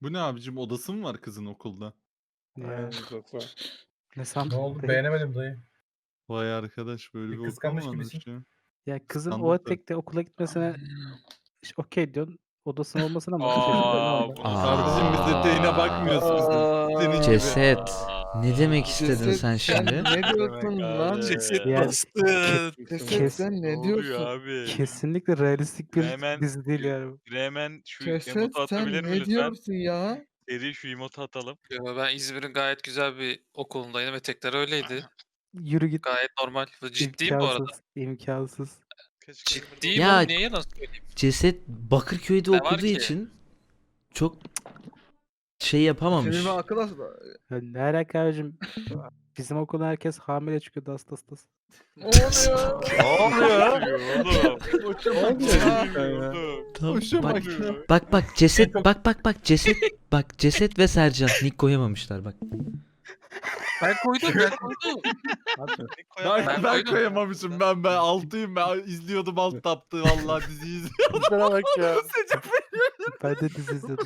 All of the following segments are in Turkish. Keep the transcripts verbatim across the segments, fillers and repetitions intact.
Bu ne abicim, odası mı var kızın okulda? Ya. Aynen Zafa. Ne Ne sandın oldu dayı? beğenemedim dayı. Vay arkadaş, böyle Bir bir okul kıskanmış mu varmış gibisin. ya? Ya kızın o Kıskandım tabii. etekte okula gitmesine işte okey diyorsun. Odasının olmasına mı şaşırıyorsun? Aa, Normal. bu nasıl Kardeşim biz Aa. eteğine bakmıyoruz bizim. Senin gibi. Ceset. Ne demek istedin Ceset sen sen şimdi? ne diyorsun lan? Ceset Yani bastı. Ceset Kes- sen Ne ne oluyor diyorsun? abi? Kesinlikle realistik bir Hemen- dizi değil yani. Hemen şu Ceset emotu sen atabilir mi ne lütfen? diyorsun ya? Seri şu emotu atalım. Yo, ben İzmir'in gayet güzel bir okulundaydım. Etekler öyleydi. Yürü git. Gayet normal. Ciddiyim bu arada. İmkansız. İmkansız. Ciddiyim Ya- oğlum, niye yalan söyleyeyim? Ceset Bakırköy'de Ne var okuduğu ki? için çok şey Senin yapamamış. bir arkadaş Ya ne alaka abicim? Bizim okulda herkes hamile çıkıyordu hasta hastası. ne oluyor? Ne oluyor oğlum? Tamam, Hoşuma bak, gidiyor. bak bak ceset En çok- bak bak bak ceset bak ceset ve Sercan nick koyamamışlar bak. Ben koydum ben koydum. Ben, Ben ben, koydum. koyamamışım, ben ben altıyım, ben izliyordum alt taptı vallahi diziyi izliyordum. Sana bak ya. Ben de dizi izliyordum.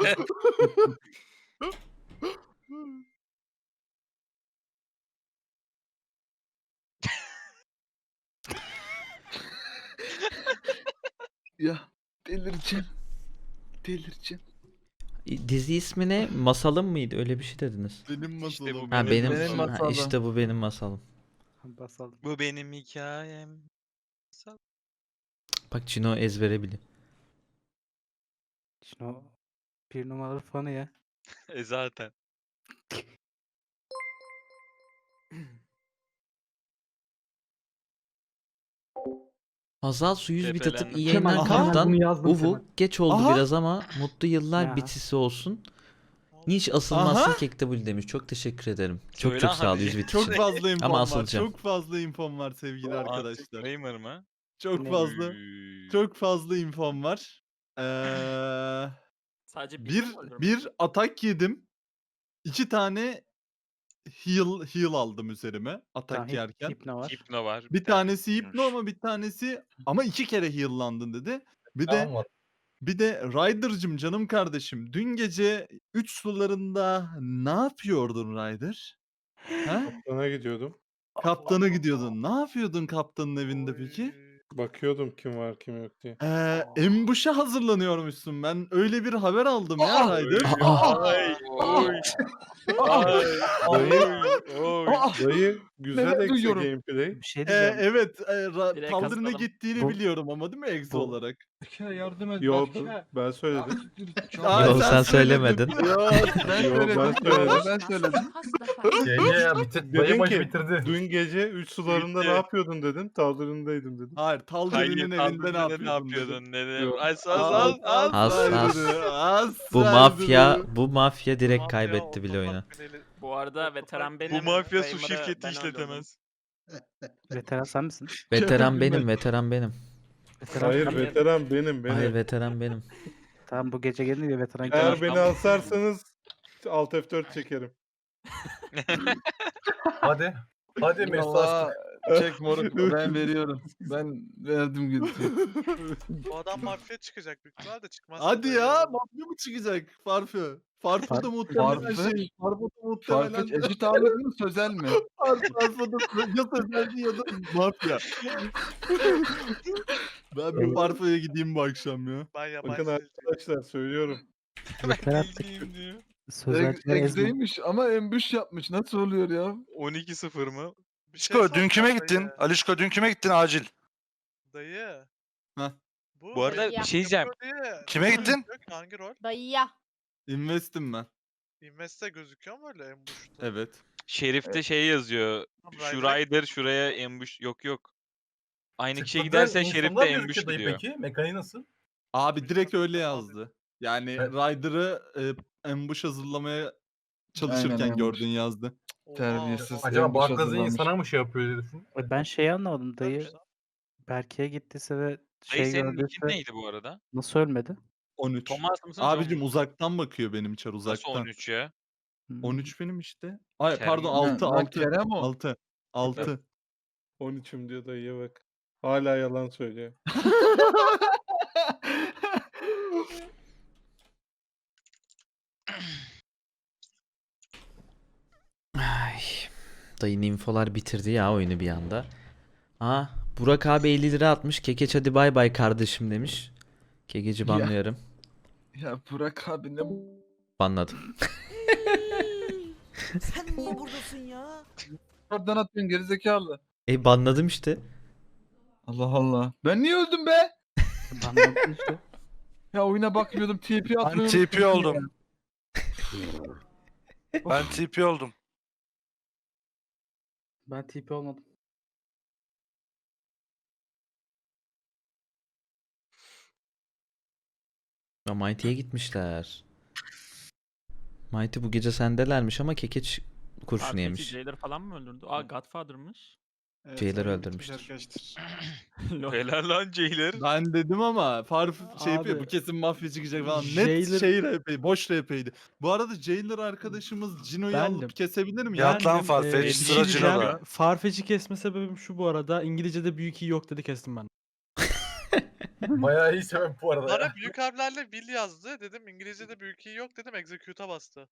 Ya delireceğim. Delireceğim. Dizi ismi ne? Masalım mıydı? Öyle bir şey dediniz. Benim masalım. bu Ha Benim benim, benim ha, masalım. işte bu benim masalım. Basalım. Bu benim hikayem. Bak Cino ezbere biliyor. Şimdi o bir numaralı fanı ya. E zaten. Hazal su yüz bit atıp Tepelendim. iyi yayınlar Aha. kaptan. Bunu yazdım Uvu Kemal. geç oldu Aha. biraz ama mutlu yıllar Ya. bitisi olsun. Niç asılmazsın Aha. kektabul demiş. Çok teşekkür ederim. Çok Söyle çok sağ ol hadi. yüz bit Çok için. fazla infom Ama var. asılacağım. Çok fazla infom var sevgili arkadaşlar. Anti-Framer mı? Çok Ne? fazla. Üy. Çok fazla infom var. Ee, Sadece bir bir atak yedim. İki tane heal heal aldım üzerime atak Tamam, hip, yerken. hipno var. Hipno var. Bir tanesi hipno tanesi ama bir tanesi ama iki kere heal'landın dedi. Bir de Tamam mı? bir de Ryder'cım canım kardeşim, dün gece üç sularında ne yapıyordun Ryder? Ha? Sana gidiyordum. Kaptana gidiyordun. Ne yapıyordun kaptanın evinde peki? Bakıyordum kim var kim yok diye. Ee, embuş'a hazırlanıyormuşsun. Ben öyle bir haber aldım ya Ryder. Ay, oy. Ay, Dayı, oy. dayı güzel Neler ekse duyuyorum. gameplay. Bir şey Ee, diyeceğim. evet, e, ra- Direkt kaldırına kazanalım. gittiğini Bu- biliyorum ama değil mi Exo bu- olarak? Yardım et. Yo ben, ben söyledim. Aa, Yok, sen söylemedin. Yo, Ben Yo, söyledim. ben söyledim. Ben söyledim. Gece ya bitir. Dedin Dayı maçı ki, bitirdi. Dün gece üç sularında Bitti. ne yapıyordun dedin. Taldırındaydım dedim. hayır, Taldir'in Hayır, evinde ne Taldir'de yapıyordun? ne yapıyordun dedim. Yok. Az az az az. Az, az. az. Bu mafya bu mafya direkt kaybetti bile oyunu. Bu arada veteran benim. Bu mafya su Framer'ı şirketi ben işletemez. Veteran sen misin? Veteran benim, veteran benim. Veteran Hayır sen- veteran benim benim. Hayır veteran benim. Tamam bu gece gelince veteran Eğer Kemal. beni alsarsanız Alt F dört çekerim. Hadi. Hadi mesaj. Valla çek moruk ben veriyorum. Ben verdim gitti. Bu adam mafya çıkacak büyük ihtimalle de çıkmaz. Hadi ya, mafya mı çıkacak Farfı? Farfı da muhtemelen Farfı? şey, Farfı da muhtemelen Farfetch eşit ağırlık mı sözel mi? Farfı da ya sözeldi ya da mafya. Ben bir Farfı'ya gideyim bu akşam ya. Ben yabancı Bakın seyirciyim. arkadaşlar söylüyorum. Veteran Bildiğim diyor. sözelciler ezme. Egzeymiş ama embüş yapmış. Nasıl oluyor ya? on iki sıfır mı? Bir şey Alişko dün kime soracağım gittin? dayı. Alişko dün kime gittin acil? Dayı. Heh. Bu arada bir şey diyeceğim. Diye, Kime rol gittin? yapıyor ki, hangi rol? Dayıya. Investim ben. Invest'te gözüküyor mu öyle en boşta? Evet. Şerif'te şey yazıyor. Tamam, Şu Ryder- Rider şuraya ambush. Yok yok. Aynı kişiye Çıkmadı, gidersen insanlar Şerif de gözüküyor ambush dayı gidiyor. Peki mekaniği nasıl? Abi direkt öyle yazdı. Yani Evet. Ryder'ı e, ambush hazırlamaya çalışırken Aynen, gördün yazdı. Oha, Terbiyesiz. Acaba Ambush Barkaz'ın hazırlamış. sana mı şey yapıyor diye düşün. E, Ben şeyi anlamadım dayı. Güzelmiş lan. Berke'ye gittiyse ve Dayı şey senin nickin gördüyse neydi bu arada? nasıl ölmedi? on üç. Thomas mısın? Abicim John? uzaktan bakıyor benim çar Nasıl uzaktan. on üç ya? Hmm. on üç benim işte. Ay Kerem. pardon Ha, altı lan altı. Kerem o. altı. altı. on üçüm diyor dayıya bak. Hala yalan söylüyor. Dayı infolar bitirdi ya oyunu bir anda. Aa, Burak abi elli lira atmış. Kekeç hadi bay bay kardeşim demiş. Kekeci Ya. banlıyorum. Ya Burak abi ne Banladım. Sen niye buradasın ya? oradan atıyorsun gerizekalı. E banladım işte. Allah Allah. Ben niye öldüm be? Banladın işte. Ya oyuna bakmıyordum T P atmayı T P unutmuşum oldum. Ben T P oldum. Ben T P olmadım. Ya Mighty'ye gitmişler. Mighty bu gece sendelermiş ama Kekeç kurşunu Arkadaki yemiş. Jailer falan mı öldürdü? Aa Godfather'mış. Jailer öldürmüştür. Lol. Helal lan Jailer. Ben dedim ama Farf şey yapıyor, bu Abi, kesin mafya çıkacak falan. Net Jailer- şey R P, boş R P'ydi. Bu arada Jailer arkadaşımız Cino'yu Bendim. alıp kesebilir mi? Yat lan Farfetch, Ee, bir sıra şey diyeceğim. Cino'da. Farfetch'i kesme sebebim şu bu arada. İngilizce'de büyük iyi yok dedi kestim ben. Bayağı iyi sebep bu arada ya. Bana büyük harflerle Will yazdı. Dedim İngilizce'de büyük iyi yok dedim. Execute'a bastı.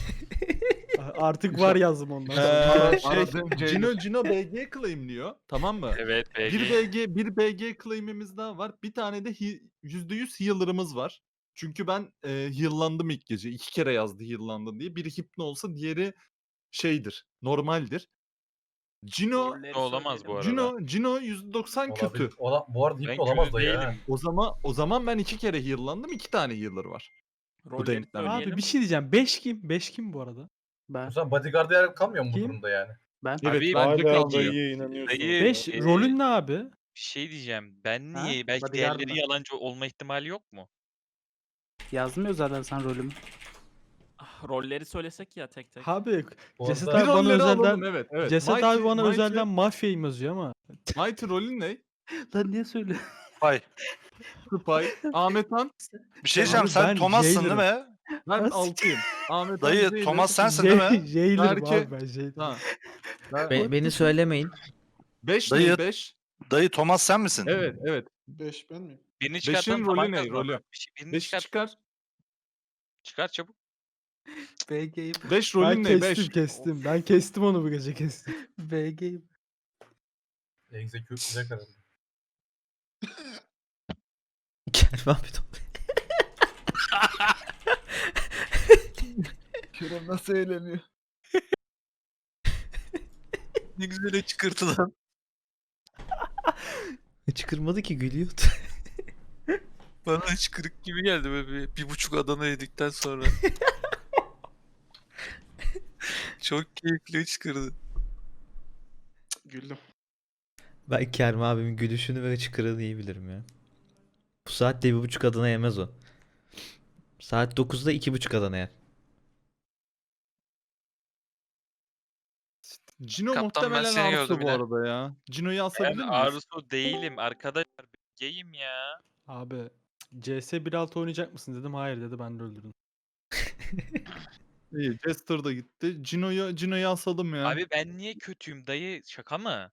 Artık var yazdım ondan. Ee, şey, Aradığım Jailer. Cino, Cino B G claimliyor. Tamam mı? Evet B G. Bir B G, bir B G claim'imiz daha var. Bir tane de hi- yüzde yüz healer'ımız var. Çünkü ben e, heal'landım ilk gece. İki kere yazdı heal'landın diye. Biri hipno olsa diğeri şeydir. Normaldir. Cino, Rolleri Olamaz söyleyelim. bu arada. Cino, Cino yüzde doksan kötü. Olabilir. Ola, bu arada Ben hiç olamaz kötü da ya. değilim. O zaman o zaman ben iki kere heal'landım. İki tane healer var. Rolleri denklemde. söyleyelim. Abi bir şey diyeceğim. beş kim? beş kim bu arada? Ben. O zaman bodyguard'a yer kalmıyor mu bu Kim? durumda yani? Ben. Evet, Abi, bence Hala kalmıyor. dayıya inanıyorsun. Dayı- beş e, rolün ne abi? Bir şey diyeceğim. Ben Ha? niye? Belki Bodyguard diğerleri mı? yalancı olma ihtimali yok mu? Yazmıyor zaten sen rolümü. Ah, rolleri söylesek ya tek tek. Abi Bu Ceset arada- Bir abi bana rolleri özelden alalım, evet. evet. Ceset Mighty- abi bana Mighty- özelden mafyayım yazıyor ama. Mighty rolün ne? Lan niye söyle? Vay. Spy. Ahmet Han. Bir şey Abi diyeceğim. ben Sen Thomas'sın değil Jailer'ım. mi? Ben Nasıl? altıyım. Ahmet Han, Dayı Jailer. Thomas sensin değil mi? Jailer'ım Belki- abi ben Jailer. Ha. Be- beni söylemeyin. beş Dayı- ne? beş. Dayı Thomas sen misin? Evet, evet. beş ben miyim? Birini Beşin çıkartalım. rolü taban ne? kazanalım. Rolü. Bir şey- Birini beş çıkar. çıkar. Çıkar çabuk. B G'yim. beş Ben rolün ne? kestim beş. kestim. Ben kestim onu bu gece kestim. B G'yim. Execute bize herhalde. Kerem abi de- Kerem nasıl eğleniyor? Ne güzel çıkırtı lan. çıkırmadı ki gülüyordu. Bana hiç kırık gibi geldi böyle bir, bir buçuk Adana yedikten sonra. Çok keyifli çıkırdı. Güldüm. Ben Kerem abimin gülüşünü ve çıkırığını iyi bilirim ya. Bu saatte bir buçuk Adana yemez o. Saat dokuzda iki buçuk Adana yer. Cino Kaptan, ben muhtemelen seni Arsu gördüm bu yine. arada ya. Cino'yu Ben asabilir miyiz? Arzu değilim arkadaşlar. Geyim ya. Abi C S bir nokta altı oynayacak mısın dedim. Hayır dedi ben de öldürdüm. İyi, Jester da gitti. Cino'yu Cino'yu asalım ya. Abi ben niye kötüyüm dayı? Şaka mı?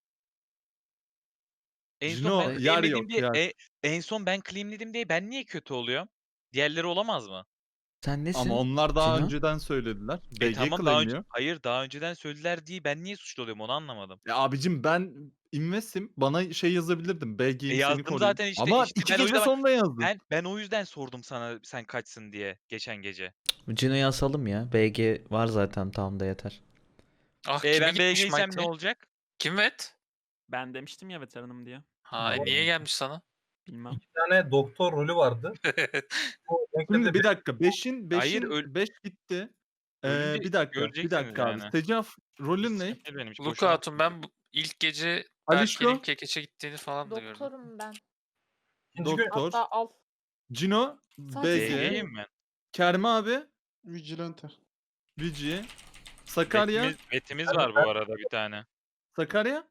En Cino, son ben yer claimledim yok, diye, yer. e- en son ben claimledim diye ben niye kötü oluyorum? Diğerleri olamaz mı? Sen nesin? Ama onlar daha Cino? önceden söylediler. E B G tamam daha önce, claimliyor. hayır daha önceden söylediler diye ben niye suçlu oluyorum onu anlamadım. Ya abicim ben investim. Bana şey yazabilirdim. B G'yim E seni yazdım koruyayım. zaten işte, Ama işte iki ben o gece yüzden- sonra yazdım. Ben ben o yüzden sordum sana sen kaçsın diye geçen gece. Cino'yu asalım ya. B G var zaten tamam da yeter. Ah E kime ben gitmiş B G'ysem Mighty? ne olacak? Kim vet? Ben demiştim ya veteranım diye. Ha e, niye gelmiş sana? Bilmem. Bir tane doktor rolü vardı. O Şimdi denklede bir dakika. beşin Hayır, beşin öl- beş gitti. Ee, Ölünce bir dakika. Bir göreceksiniz dakika abi. yani. Secaf rolün ne? Sıkıntı benim için, boşuna- Lookout'un ben bu- ilk gece Alişko? Berke'nin kekeçe gittiğini falan da gördüm. Doktorum ben. ikinci gün Doktor. Hatta al. Cino, Sadece B G, B G'yim ben. Kerem abi, Vigilante. Vici, Sakarya, Betimiz, betimiz var bu arada bir tane. Sakarya.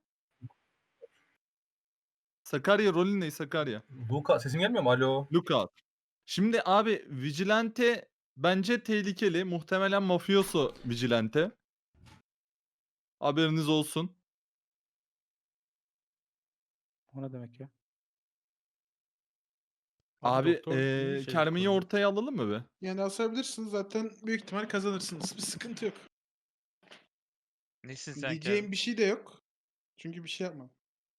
Sakarya rolün ne Sakarya? Luka sesim gelmiyor mu? Alo. Lookout. Şimdi abi Vigilante bence tehlikeli. Muhtemelen mafioso Vigilante. Haberiniz olsun. O ne demek ya? Abi, doktor eee iyi şey Kerem'i koruyor. ortaya alalım mı be? Yani asabilirsiniz zaten büyük ihtimal kazanırsınız. Bir sıkıntı yok. Nesin sen Diyeceğim Kerem? bir şey de yok. Çünkü bir şey yapmam.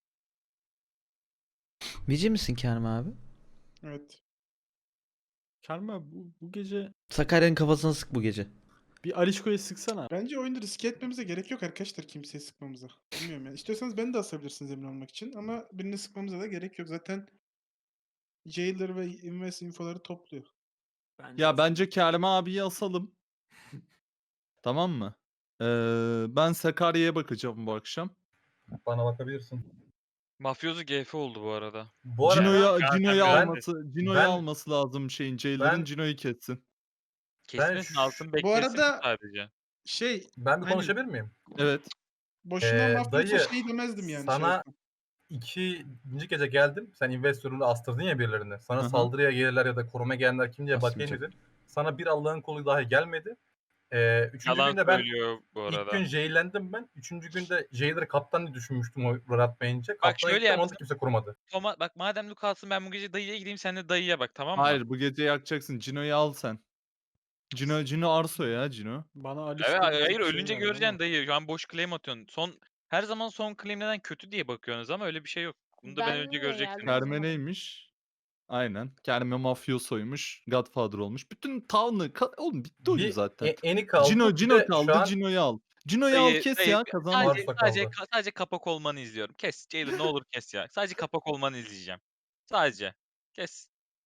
Vici misin Kerem abi? Evet. Karma bu, bu gece Sakarya'nın kafasına sık bu gece. bir Alişko'ya sıksana. Bence oyunda riske etmemize gerek yok arkadaşlar kimseye sıkmamıza. Bilmiyorum yani. İstiyorsanız beni de asabilirsiniz emin olmak için ama birini sıkmamıza da gerek yok. Zaten Jailer ve Invest infoları topluyor. Bence Ya as- bence Kerem abiyi asalım. Tamam mı? Ee, ben Sakarya'ya bakacağım bu akşam. Bana bakabilirsin. Mafyozu G F oldu bu arada. Bu arada Cino'yu Cino'yu ben- alması, Cino'yu ben- alması lazım şeyin. Jailer'ın ben- Cino'yu kessin. Kesmesin şu- altın Bu beklesin arada sadece. şey ben bir Aynen. konuşabilir miyim? Evet. boşuna Ee, mafya dayı, şey demezdim yani. sana- şey yapmam. İkinci gece geldim. Sen investörünü astırdın ya birilerine. Sana Hı hı. saldırıya gelirler ya da koruma gelenler kim diye Asmayacak. bakayım dedin. Sana bir Allah'ın kolu dahi gelmedi. Ee, üçüncü Yalan günde ben söylüyor bu ilk arada. gün jailendim ben. Üçüncü günde jailer'ı kaptan diye düşünmüştüm o rol atmayınca. Kaptan şöyle gittim onu da yapsın. kimse korumadı. Toma, bak madem Luke alsın ben bu gece dayıya gideyim sen de dayıya bak tamam mı? Hayır bu gece yakacaksın. Cino'yu al sen. Cino, Cino Arso ya Cino. Bana Alişko Evet, diyecek hayır bir şey ölünce geldi göreceksin ama. dayı. Şu an boş claim atıyorsun. Son her zaman son claim neden kötü diye bakıyorsunuz ama öyle bir şey yok. Bunu da ben, Ben önce niye göreceksin. geldim? Kerme neymiş? Aynen. Kerme mafyosoymuş. Godfather olmuş. Bütün town'ı ka- oğlum bitti oyun Bir zaten. e, eni kaldı. Cino bir Cino de şu kaldı. an Cino'yu al. Cino'yu al Dayı, kes dayı, ya kazanmaz. sadece, Varsa sadece, kaldı. ka- sadece kapak olmanı izliyorum. Kes. Jailer ne olur kes ya. Sadece kapak olmanı izleyeceğim. Sadece. Kes.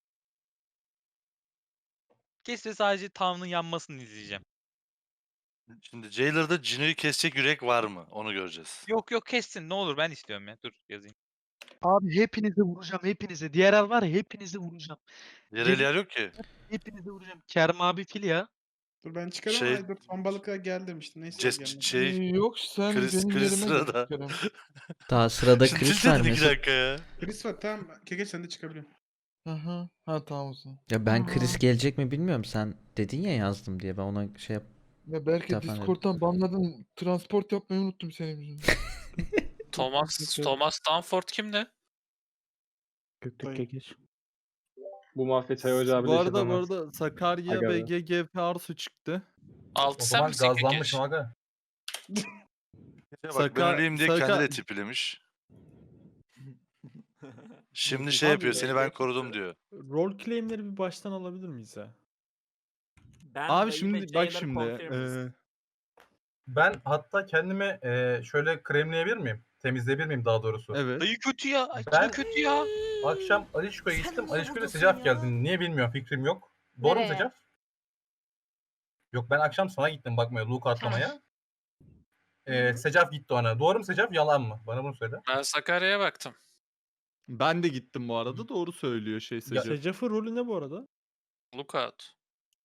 Kes ve sadece town'ın yanmasını izleyeceğim. Şimdi Jailer'da Cino'yu kesecek yürek var mı? Onu göreceğiz. Yok yok kessin ne olur ben istiyorum ya. Dur yazayım. Abi hepinizi vuracağım hepinizi. Diğer el var ya hepinizi vuracağım. Diğer Gelin- el yer yok ki. Hepinizi vuracağım. Kerem abi fil ya. Dur ben çıkarım Şey- ama dur son balığa gel demiştim. Neyse Ces- gelmedi. şey Yok sen Chris- benim Chris yerime sırada. git Kerem. Daha sırada Şimdi Chris dedin var iki mesela. dakika ya. Chris var tamam. Keke sen de çıkabiliyorsun. Aha. Ha tamam o zaman. Ya ben Chris gelecek mi bilmiyorum. Sen dedin ya yazdım diye. Ben ona şey yap. Ya belki Tamam, evet. Discord'dan banladın. Transport yapmayı unuttum senin yüzünden. Thomas Thomas Stanford kimdi? Göktürk'e geç. Bu mafya çay ocağı Bu arada bu arada Sakarya Aga be. B G G F Arso çıktı. O Altı sen zaman misin Kekeş? gazlanmışım aga. Ya bak Saka- ben öleyim diye Saka- kendi de tipilemiş. Şimdi şey Abi, yapıyor. Seni ben korudum diyor. Rol claim'leri bir baştan alabilir miyiz ya? Ben Abi dayı ve şimdi bak Jailer şimdi. confirmist. eee, Ben hatta kendimi e, şöyle kremleyebilir miyim? Temizleyebilir miyim daha doğrusu? evet. Dayı kötü ya. Ay, Ben- Cino kötü ya. Akşam Alişko'ya Sen gittim. niye Alişko'yla buradasın Secaf ya? geldi. Niye bilmiyorum fikrim yok. Doğru mu Nereye? Secaf? Yok ben akşam sana gittim bakmaya, Luke atlamaya. Ee, Secaf gitti ona. Doğru mu Secaf? Yalan mı? Bana bunu söyle. Ben Sakarya'ya baktım. Ben de gittim bu arada. Doğru söylüyor şey Secaf. Secaf'ın rolü ne bu arada? Lookout.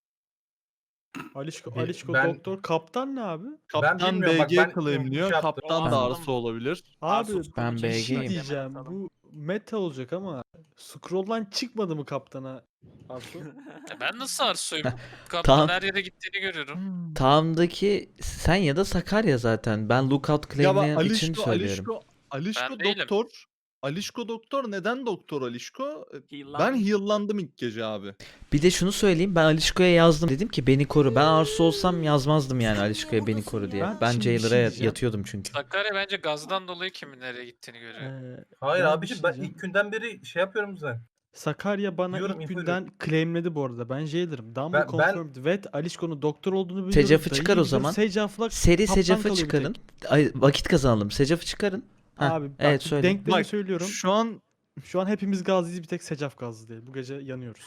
Alişko, Bir- Alişko ben- doktor. Kaptan ne abi? Kaptan bilmiyorum, bak B G ben- claimliyor. şey yaptım. Kaptan Ben- da Arso olabilir. Abi Arsus ben konu B bir çekti. şey G'yim. diyeceğim. Hemen Bu meta olacak ama scroll'dan çıkmadı mı kaptana? Arsu? Ya ben nasıl Arsu'yum? Tamam. Kaptan her yere gittiğini görüyorum. Town'daki sen ya da Sakarya zaten. Ben lookout Ya bak claimleyen için Alişko, söylüyorum. Alişko, Alişko Ben değilim. doktor. Alişko doktor. Neden doktor Alişko? Ben Heal'landım. heal'landım ilk gece abi. Bir de şunu söyleyeyim. Ben Alişko'ya yazdım. Dedim ki beni koru. Ben Arsu olsam yazmazdım yani Sen Alişko'ya niye beni buradasın koru ya? diye. Ben Ben şimdi bir şey Jailer'a diyeceğim. yatıyordum çünkü. Sakarya bence gazdan dolayı kimin nereye gittiğini görüyor. Ee, Hayır ben bir abiciğim şey ben diyeceğim. ilk günden beri şey yapıyorum zaten. Sakarya bana Diyorum, ilk info günden claimledi bu arada. Ben Jailer'ım. Dumble Ben- ben- confirmed. Ve Alişko'nun doktor olduğunu biliyorum. Secaf'ı dayıyı çıkar o biliyorum. zaman. Secaf'la Seri kaptan Secaf'ı kalıyor bir çıkarın. tek. Ay, vakit kazanalım. Secaf'ı çıkarın. Heh, Abi bak evet söyle. denklemi Bak, söylüyorum. Şu an Şu an hepimiz gazlıyız bir tek Secaf gazlı değil. Bu gece yanıyoruz.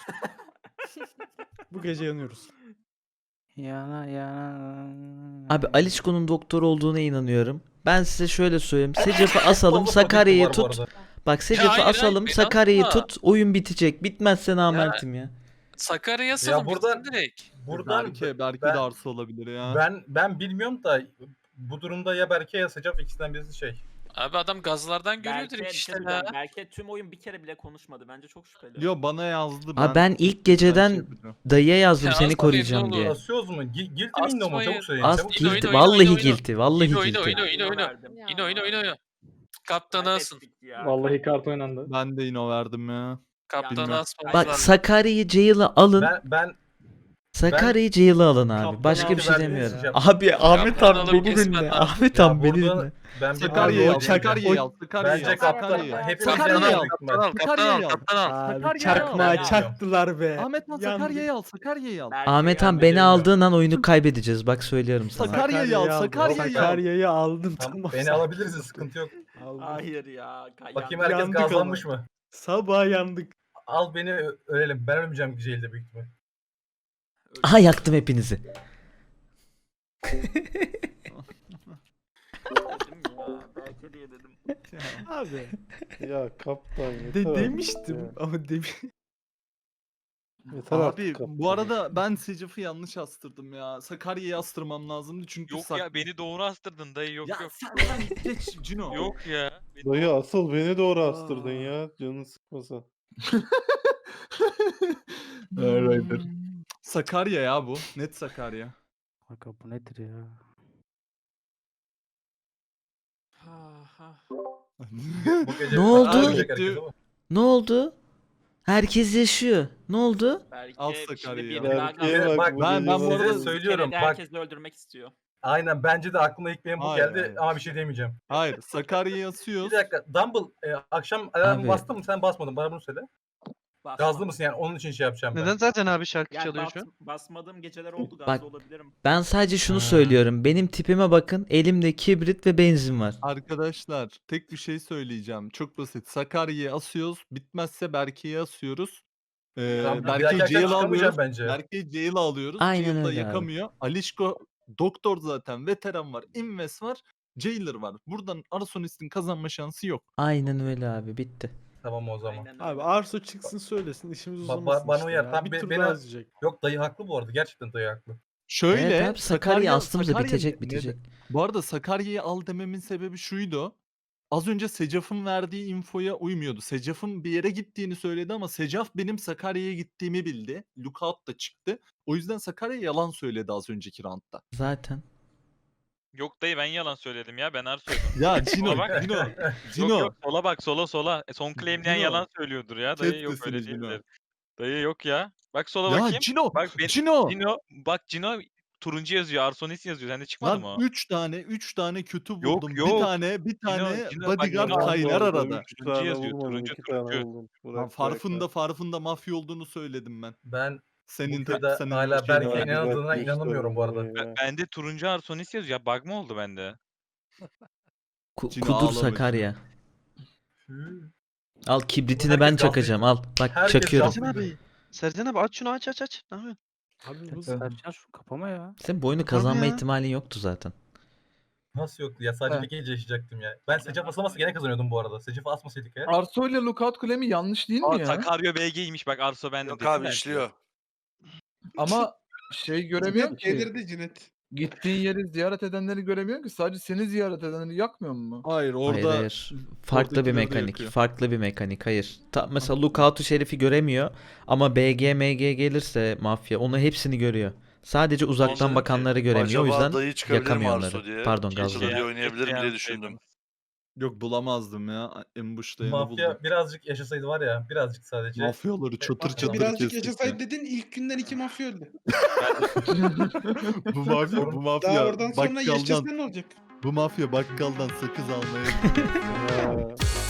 Bu gece yanıyoruz. Yana yana. Abi Alişko'nun doktor olduğuna inanıyorum. Ben size şöyle söyleyeyim. Secaf'ı asalım, Fazla politik Sakarya'yı var bu tut. arada. Bak Secaf'ı hayır, hayır, asalım, beni Sakarya'yı asma. tut. Oyun bitecek. Bitmezse namertim ya. Sakarya'ya salın buradan- bitsin direkt. Buradan belki, belki ben, de Arso olabilir ya. ben ben bilmiyorum da bu durumda ya Berke ya Secaf ikisinden birisi şey. Abi adam gazlardan görüyor Belki, direkt bir şey işte söyleyeceğim. ya. Belki tüm oyun bir kere bile konuşmadı. Bence çok şüpheli. Yo bana yazdı. Abi ben ilk ben şey geceden yapacağım. dayıya yazdım Ya seni asmayın, koruyacağım ne diye. olur. Asıyoruz mu? Gi- Guilty mi indi mu? Asmayın. Çabuk söyleyin. Az Çabuk Oyna, guilty. oyna, Vallahi oyna, oyna. guilty. Vallahi Oyna, oyna, guilty. oyna, oyna, oyna. verdim. Ya. Yine oyna oyna oyna. Kaptanı asın. Kaybettik ya. Vallahi kart oynandı. Ben de yine verdim ya. Kaptanı Bilmiyorum. asmamız Bak lazım. Sakarya'yı Jail'a alın. Ben ben Sakarya'yı Jailer'ı alın abi. Kaptan Başka bir abi şey verdiğiniz demiyorum. için Abi Ahmet Kaptan abi alıp beni kesmen dinle. lazım. Ahmet Ya abi beni burada dinle. ben bir Sakarya'yı al, Abi, Sakarya'yı al, Sakarya'yı Bence al, kaptan. Sakarya'yı al. Hepimiz Sakarya'yı yanlış al. büyük Kaptan al, ihtimal. kaptan al, Sakarya'yı al. kaptan al. Abi Sakarya'yı çakma al. çaktılar be. Ahmet Han Yandık. Sakarya'yı al, Sakarya'yı al. Belki Ahmet Han gelmedi. beni geliyor. aldığın an oyunu kaybedeceğiz. Bak söylüyorum sana. Sakarya'yı al, aldım. Sakarya'yı al. Sakarya'yı aldım. Tamam, Tamam. beni alabiliriz sıkıntı yok. Aldım. Hayır ya. kay- Bakayım yandık. herkes Yandık gazlanmış mı? Sabah yandık. Al beni ö- ölelim. Ben ölmeyeceğim Jail'de büyük ihtimal. Aha yaktım hepinizi. Dedim ya. Belki diye dedim. Abi. Ya kaptan yeter De artık demiştim ya. ama demiş. Yeter artık Abi kaptan. bu arada ben Secaf'ı yanlış astırdım ya. Sakarya'yı astırmam lazımdı çünkü Yok sak- ya beni doğru astırdın dayı yok Ya yok. sen, sen geç Cino. Yok ya. Beni Dayı doğru- asıl beni doğru astırdın Aa. ya. Canını sıkmasa. Alrighter. Sakarya ya bu. Net Sakarya. Kanka bu nedir ya? Ha, ha. Bu gece Ne oldu? ölecek herkes ama. Ne oldu? Herkes yaşıyor. Ne oldu? Belki Al şimdi Sakarya'yı bir al. daha Berke'ye gazladı. bak, Bak, bu ben- gece ben bu var arada ya. Bir söylüyorum, kere de bak. herkesi öldürmek istiyor. Aynen bence de aklıma ilk benim bu Hayır, geldi hayır. ama bir şey demeyeceğim. Hayır, Sakarya'yı Bir asıyoruz. dakika Dumble e, akşam alarmı Abi. bastın mı sen basmadın bana bunu söyle. Basma- Gazlı mısın yani onun için şey yapacağım ben. Neden zaten abi şarkı Yani çalıyor bas- şu an? basmadığım geceler oldu gazlı Bak. olabilirim. Ben sadece şunu Ha. söylüyorum. Benim tipime bakın. Elimde kibrit ve benzin var. Arkadaşlar tek bir şey söyleyeceğim. Çok basit. Sakarya'yı asıyoruz. Bitmezse Berke'yi asıyoruz. Ee, Tamam, bir Berke'yi dahaki akşam Jail'a çıkamayacağım alıyoruz. bence. Berke'yi Jail'a alıyoruz. Aynen Jail'da öyle abi. yakamıyor. Alişko doktor zaten. Veteran var. Inves var. Jailer var. Buradan Arsonist'in kazanma şansı yok. Aynen öyle abi. Bitti. Tamam o zaman. Aynen Abi öyle. Arso çıksın söylesin işimiz Ba- ba- uzamasın bana işte uyar. ya. Tam Bir be- tur beni- daha izleyecek. Yok dayı haklı bu arada. Gerçekten dayı haklı. Şöyle Evet abi Sakarya astığımızda Sakarya- bitecek ne- bitecek. Bu arada Sakarya'yı al dememin sebebi şuydu. Az önce Secaf'ın verdiği infoya uymuyordu. Secaf'ın bir yere gittiğini söyledi ama Secaf benim Sakarya'ya gittiğimi bildi. Lookout da çıktı. O yüzden Sakarya yalan söyledi az önceki roundda. Zaten. Yok dayı ben yalan söyledim ya ben Arso'ydum. Ya Cino, Sola bak. Cino, Yok Cino. yok sola bak sola sola. E, son claimleyen Cino. yalan söylüyordur ya. Dayı Kes yok sesini öyle Cino. değildir. Dayı yok ya. Bak sola Ya bakayım. Cino, Bak ben, Cino. Cino bak Cino turuncu yazıyor. Arsonis yazıyor. Sende çıkmadı mı Lan o? üç tane, üç tane kötü Yok, buldum. Bir yok. tane, bir Cino, tane Cino, bak bodyguard Cino aldı kaynar orada. arada. Üç Turuncu tane yazıyor, bulmadım, turuncu, iki tane turuncu. buldum. Lan Bırak, farfında bırak. farfında mafya olduğunu söyledim ben. Ben Senin bu te- köyde senin hala şeyine Berke'ye verdiğin- Bırak, inanıldığına göster inanamıyorum bu arada. bana ya. Ben- Bende turuncu Arsonis yazıyor. Ya bug mı oldu bende? Ku- Cino kudur ağlama Sakarya. Hı. Al kibritini Herkes ben gazlı- çakacağım. Al. Bak herkes çakıyorum. gazlı- Sercan abi. Sercan abi aç şunu aç aç aç. Ne yapıyorsun? Abi bu Sercan şu kapama ya. Sen bu oyunu kazanma ya. ihtimalin yoktu zaten. Nasıl yoktu ya sadece He. bir gece yaşayacaktım ya. Ben Secaf asılmasa gene kazanıyordum bu arada. Secaf'ı asmasaydık ya. Arso ile Lookout Claim'i yanlış değil mi Aa ya? Sakarya B G'ymiş bak Arso bende. Yok dedim abi ben işliyor. Ama şey göremiyorum Cinet ki. delirdi Cinet. Gittiğin yeri ziyaret edenleri göremiyorsun ki. Sadece seni ziyaret edenleri yakmıyor mu? Hayır orada Hayır hayır. Farklı bir oradakileri de mekanik. yakıyor. Farklı bir mekanik. Hayır. Ta, mesela Lookout'u Şerif'i göremiyor ama B G M G gelirse mafya onu hepsini görüyor. Sadece uzaktan dedim ki, bakanları göremiyor. O acaba yüzden dayı çıkabilir mi yakamıyor Arso onları. diye? Pardon Keşke gazları. diye oynayabilirim Keşke diye yapsaydım. düşündüm. yok bulamazdım ya. Ambush'ta yanı Mafya buldum. birazcık yaşasaydı var ya birazcık sadece. Mafyaları çatır Bak, çatır Birazcık kestik yaşasaydı ya. dedin ilk günden iki mafya öldü. Bu mafya, bu Daha mafya oradan sonra bakkaldan, yaşasan ne olacak? bu mafya bakkaldan sakız almaya gidiyor. Ya.